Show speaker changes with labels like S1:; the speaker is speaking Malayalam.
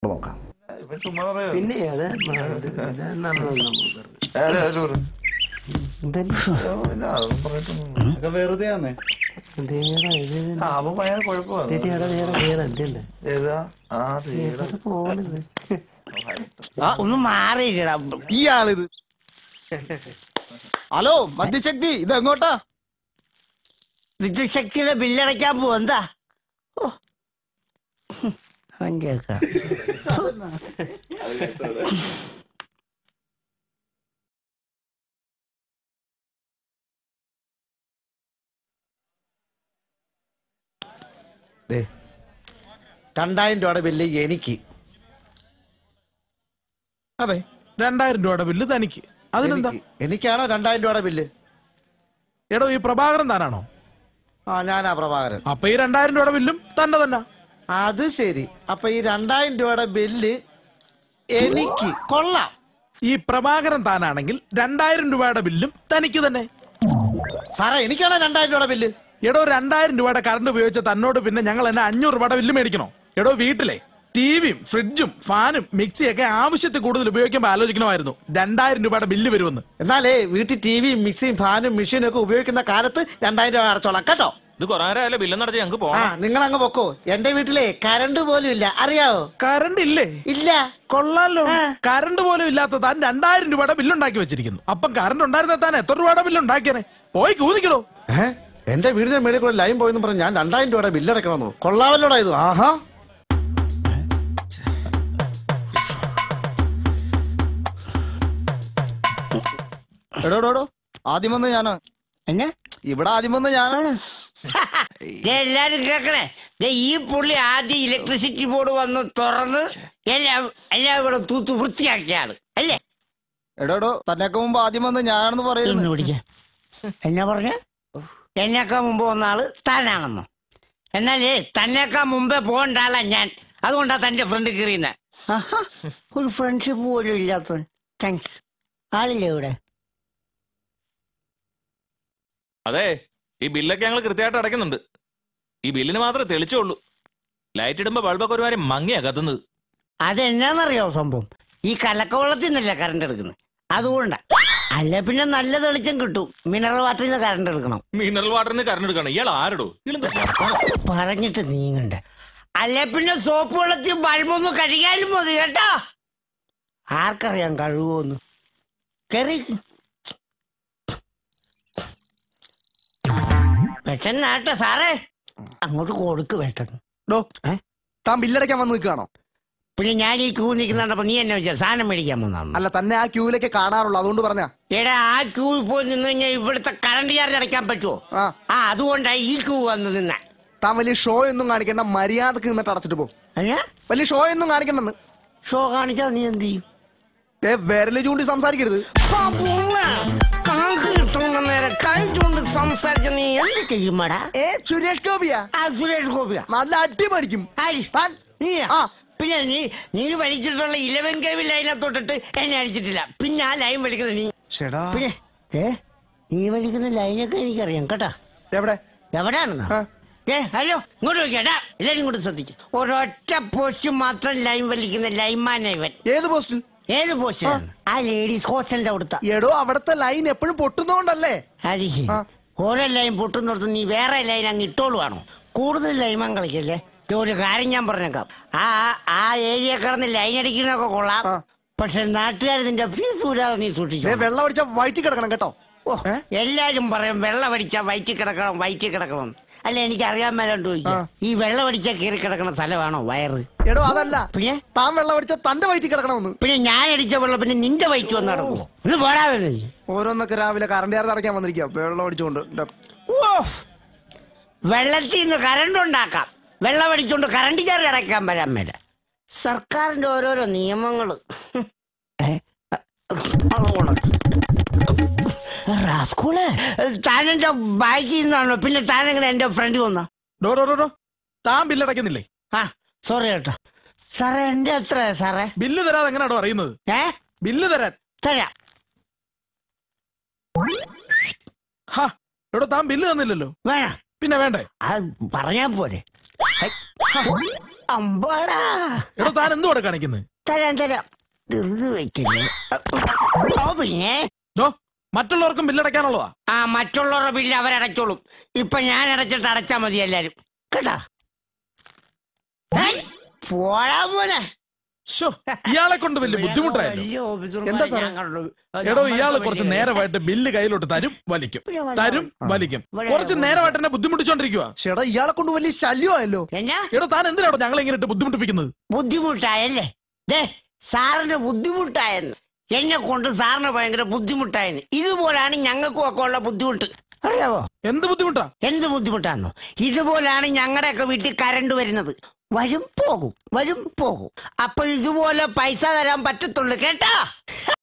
S1: നോക്കാം.
S2: പിന്നെ
S3: വെറുതെയാന്നേ
S2: ഒന്ന് മാറിയില്ലടാ
S1: ഇയാളിത്. ഹലോ മദ്യശക്തി, ഇത് എങ്ങോട്ടാ?
S2: വിദ്യുശക്തിയുടെ ബില്ലടയ്ക്കാൻ പോവാ. എന്താ
S1: $2000 ബില്ല് എനിക്ക്.
S4: അതെ, 2000 രൂപയുടെ ബില്ല് തനിക്ക്. അതിനെന്താ?
S1: എനിക്കാണോ 2000 ബില്ല്?
S4: എടോ, ഈ പ്രഭാകരൻ താനാണോ?
S1: ആ, ഞാനാ പ്രഭാകരൻ.
S4: അപ്പൊ ഈ 2000 ബില്ലും തന്നെ.
S1: അത് ശരി. അപ്പൊ ഈ 2000 ബില്ല് എനിക്ക്. കൊള്ളാം.
S4: ഈ പ്രഭാകരൻ താനാണെങ്കിൽ 2000 ബില്ലും തനിക്ക് തന്നെ.
S1: സാറേ, എനിക്കാണോ 2000 ബില്ല്?
S4: എടോ, 2000 കറണ്ട് ഉപയോഗിച്ച തന്നോട് പിന്നെ ഞങ്ങൾ എന്നെ 500 ബില്ല് മേടിക്കണോ? എടോ, വീട്ടിലെ ടിവിയും ഫ്രിഡ്ജും ഫാനും മിക്സിയൊക്കെ ആവശ്യത്തിൽ കൂടുതൽ ഉപയോഗിക്കുമ്പോൾ ആലോചിക്കണമായിരുന്നു 2000 ബില്ല് വരുമെന്ന്.
S1: എന്നാലേ വീട്ടിൽ ടിവിയും മിക്സിയും ഫാനും മെഷീനും ഒക്കെ ഉപയോഗിക്കുന്ന കാലത്ത് 2000 അടച്ചോളാം കേട്ടോ.
S5: ഇത് കൊറേ ബില്ലെന്നടച്ച് ഞങ്ങൾക്ക് പോകാം.
S1: നിങ്ങൾ അങ്ങ് പൊക്കോ. എന്റെ വീട്ടിലെ കറണ്ട് പോലും ഇല്ല, അറിയാവോ?
S4: കറണ്ട് ഇല്ലേ?
S1: ഇല്ല.
S4: കൊള്ളാലോ. കറണ്ട് പോലും ഇല്ലാത്ത താൻ 2000 ബില്ലുണ്ടാക്കി വെച്ചിരിക്കുന്നു. അപ്പം കറണ്ട് ഉണ്ടായിരുന്ന താൻ എത്ര രൂപയുടെ ബില്ലുണ്ടാക്കിയനെ? പോയി കൂന്നിക്കണോ.
S1: എന്റെ വീടിന്റെ മേളിൽ കൂടെ ലൈൻ പോയെന്ന് പറഞ്ഞ് ഞാൻ 2000 ബില്ലടക്കണമെന്നോ? കൊള്ളാവല്ലോടാ ഇത്. ആഹാ. എടോടോ, ആദ്യം വന്ന് ഞാനാ.
S2: എന്നെ
S1: ഇവിടെ ആദ്യം വന്ന് ഞാനാണ്.
S2: എല്ലാരും കേക്കണേ. ഈ പുള്ളി ആദ്യം ഇലക്ട്രിസിറ്റി ബോർഡ് വന്ന് തുറന്ന് എല്ലാം ഇവിടെ തൂത്ത് വൃത്തിയാക്കിയാണ് അല്ലേ?
S1: എടോടോ, തന്നെയൊക്കെ മുമ്പ് ആദ്യം വന്ന് ഞാനാണെന്ന് പറയുന്നു.
S2: എന്നാ പറഞ്ഞ? എന്നേക്കാ മുമ്പ് വന്ന ആള് താനാണെന്നോ? എന്നാലേ തന്നേക്കാ മുമ്പേ പോകേണ്ട ആളാ ഞാൻ. അതുകൊണ്ടാ തന്റെ ഫ്രണ്ട് കയറിയുന്ന. ഒരു ഫ്രണ്ട്ഷിപ്പ് പോലും ഇല്ലാത്ത. താങ്ക്സ്. ആളില്ലേ ഇവിടെ?
S5: അതെ, ഈ ബില്ലൊക്കെ ഞങ്ങൾ കൃത്യമായിട്ട് അടയ്ക്കുന്നുണ്ട്. ഈ ബില്ലിന് മാത്രമേ തെളിച്ചുള്ളൂ. ലൈറ്റ് ഇടുമ്പോ ബൾബൊക്കെ ഒരുമാതിരി മങ്ങിയാ കത്തുന്നത്.
S2: അതെന്നാന്നറിയോ സംഭവം? ഈ കലക്കവെള്ളത്തിൽ നിന്നല്ല കറണ്ട് എടുക്കുന്നത്, അതുകൊണ്ടാ. അല്ല പിന്നെ നല്ല തെളിച്ചം കിട്ടും. മിനറൽ വാട്ടറിന് കറണ്ട് എടുക്കണം.
S5: മിനറൽ വാട്ടറിന് കറണ്ട് എടുക്കണം. ഇയാൾ ആരടോ?
S2: പറഞ്ഞിട്ട് നീങ്ങണ്ട. അല്ല പിന്നെ സോപ്പ് വെള്ളത്തിൽ ബൾബൊന്ന് കഴുകിയാലും മതി കേട്ടോ. ആർക്കറിയാം കഴുകുമെന്ന്. കയറി പെട്ടെന്നാട്ടെ സാറേ, അങ്ങോട്ട് കൊടുക്ക് പെട്ടെന്ന്.
S1: താൻ ബില്ലടയ്ക്കാൻ വന്ന് നിൽക്കുകയാണോ?
S2: പിന്നെ ഞാൻ ഈ ക്യൂ നിൽക്കുന്നുണ്ടപ്പോ നീ എന്നെ വെച്ചാൽ സാധനം മേടിക്കാൻ വന്നാണ്?
S1: അല്ല, തന്നെ ആ ക്യൂവിലൊക്കെ കാണാറുള്ളൂ, അതുകൊണ്ട് പറഞ്ഞാ.
S2: എടാ, ആ ക്യൂവിൽ പോയി നിന്ന് കഴിഞ്ഞാൽ ഇവിടുത്തെ കറണ്ട് ചാർജ് അടയ്ക്കാൻ പറ്റുമോ? അതുകൊണ്ടാണ് ഈ ക്യൂ വന്ന് നിന്ന.
S1: താൻ വലിയ ഷോ ഒന്നും കാണിക്കണ്ട, മര്യാദക്ക് നിന്നിട്ട് അടച്ചിട്ട് പോ. വലിയ ഷോ ഒന്നും കാണിക്കണ്ടെന്ന്.
S2: ഷോ കാണിച്ചാൽ നീ എന്ത് ചെയ്യും?
S1: വിരല് ചൂണ്ടി സംസാരിക്കരുത്.
S2: നേരെ കൈ ചൂണ്ടി സംസാരിച്ച നീ എന്ത് ചെയ്യുമാടാ?
S1: സുരേഷ് ഗോപിയാ?
S2: സുരേഷ് ഗോപിയാ?
S1: നല്ല അടി പഠിക്കും.
S2: പിന്നെ നീ വലിച്ചിട്ടുള്ള 11 kV ലൈനെ തൊട്ടിട്ട് എന്നെ അടിച്ചിട്ടില്ല. പിന്നെ ആ ലൈൻ വലിക്കുന്നത് നീ. പിന്നെ നീ വലിക്കുന്ന ലൈനൊക്കെ എനിക്കറിയാം കേട്ടാ. എവിടെയാണെന്നാ? ഹലോ, ഇങ്ങോട്ട് നോക്കിയാടാ. എല്ലാരും ഇങ്ങോട്ട് ശ്രദ്ധിച്ചു. ഒരൊറ്റ പോസ്റ്റ് മാത്രം ലൈൻ വലിക്കുന്ന ലൈൻമാനാ ഇവൻ.
S1: ഏത് പോസ്റ്റിൽ?
S2: ഏത് പോസ്റ്റിലാണ്? ആ ലേഡീസ് ഹോസ്റ്റലിന്റെ അവിടുത്തെ.
S1: എടോ, അവിടുത്തെ ലൈൻ എപ്പോഴും പൊട്ടുന്നോണ്ടല്ലേ?
S2: ഹരിശി, ഓരോ ലൈൻ പൊട്ടുന്നിടത്ത് നീ വേറെ ലൈൻ അങ്ങ് ഇട്ടോളുവാണോ? കൂടുതൽ ലൈമാൻ കളിക്കല്ലേ. ഒരു കാര്യം ഞാൻ പറഞ്ഞേക്കാം. ആ ഏരിയ കിടന്ന് ലൈൻ അടിക്കുന്നതൊക്കെ കൊള്ളാം. പക്ഷെ നാട്ടുകാർ നിന്റെ ഫീസ് ഊരാതെ നീ സൂക്ഷിച്ചു.
S1: വെള്ളം അടിച്ച വയറ്റി കിടക്കണം കേട്ടോ.
S2: എല്ലാരും പറയും വെള്ളം അടിച്ചാ വയറ്റി കിടക്കണം. അല്ല, എനിക്ക് അറിയാൻ മേലോട്ട് ചോദിക്കാം, ഈ വെള്ളം അടിച്ചാ കയറി കിടക്കണ സ്ഥലമാണോ വയറ്?
S1: എടോ, അതല്ല. പിന്നെ താൻ വെള്ളം അടിച്ചാൽ തന്റെ വയറ്റി കിടക്കണമെന്ന്.
S2: പിന്നെ ഞാൻ അടിച്ച വെള്ളം പിന്നെ നിന്റെ വയറ്റി വന്ന് നടക്കുമോ? ഒന്ന് പോരാതെ.
S1: ഓരോന്നൊക്കെ രാവിലെ കറണ്ട് ചാർജ് അടയ്ക്കാൻ വന്നിരിക്കുക, വെള്ളം അടിച്ചുകൊണ്ട്.
S2: വെള്ളത്തിൽ നിന്ന് കറണ്ട് ഉണ്ടാക്കാം, വെള്ളം അടിച്ചുകൊണ്ട് കറണ്ട് ചാർജ് അടയ്ക്കാൻ വരാൻ മേല. സർക്കാരിന്റെ ഓരോരോ നിയമങ്ങള്. താനെന്റെ ബാക്കിൽ നിന്നാണോ? പിന്നെ താനെങ്ങനെ എന്റെ ഫ്രണ്ട് വന്ന?
S4: താൻ ബില്ലടയ്ക്കുന്നില്ലേ?
S2: സോറി കേട്ടോ സാറേ. എന്റെ എത്ര സാറേ?
S4: ബില്ല് തരാതെ എങ്ങനെയാണോ അറിയുന്നത്? ബില്ല് തരാൻ
S2: തരാം.
S4: താൻ ബില്ല് തന്നില്ലല്ലോ.
S2: വേണം.
S4: പിന്നെ വേണ്ടേ?
S2: പറഞ്ഞാ പോരെ. അമ്പാടാ.
S4: എടോ താൻ എന്തുവാടെ കാണിക്കുന്നത്?
S2: തരാം ധൃതി വെക്കില്ലേ? ഓ പിന്നെ
S4: മറ്റുള്ളവർക്കും ബില്ലടയ്ക്കാനുള്ളതാ.
S2: ആ മറ്റുള്ളവരുടെ ബില്ല് അവരടച്ചോളും. ഇപ്പൊ ഞാൻ അടച്ചിട്ട് അടച്ചാ മതി എല്ലാരും കേട്ടാ. പോടാ പോലെ
S4: ഇയാളെ കൊണ്ട് വലിയ ബുദ്ധിമുട്ടായിരുന്നു.
S1: എന്താ സാറേ?
S4: എടോ ഇയാള് കുറച്ച് നേരമായിട്ട് ബില്ല് കയ്യിലോട്ട് തരും വലിക്കും. കുറച്ച് നേരമായിട്ട് എന്നെ ബുദ്ധിമുട്ടിച്ചോണ്ടിരിക്കുക.
S1: ചേട്ടാ ഇയാളെ കൊണ്ട് വലിയ ശല്യമായല്ലോ.
S4: എടോ താൻ എന്തിനാണോ ഞങ്ങളെ ഇങ്ങനെ ഇട്ട് ബുദ്ധിമുട്ടിപ്പിക്കുന്നത്?
S2: ബുദ്ധിമുട്ടായല്ലേ? സാറിന് ബുദ്ധിമുട്ടായെന്ന്. എന്നെ കൊണ്ട് സാറിന് ഭയങ്കര ബുദ്ധിമുട്ടായെന്ന്. ഇതുപോലാണ് ഞങ്ങൾക്കും ഒക്കെ ഉള്ള ബുദ്ധിമുട്ട്. അറിയാവോ?
S4: എന്ത് ബുദ്ധിമുട്ടാ?
S2: എന്ത് ബുദ്ധിമുട്ടാണോ? ഇതുപോലാണ് ഞങ്ങളുടെയൊക്കെ വീട്ടിൽ കറണ്ട് വരുന്നത്. വരും പോകും. അപ്പൊ ഇതുപോലെ പൈസ തരാൻ പറ്റത്തുള്ളൂ കേട്ടാ.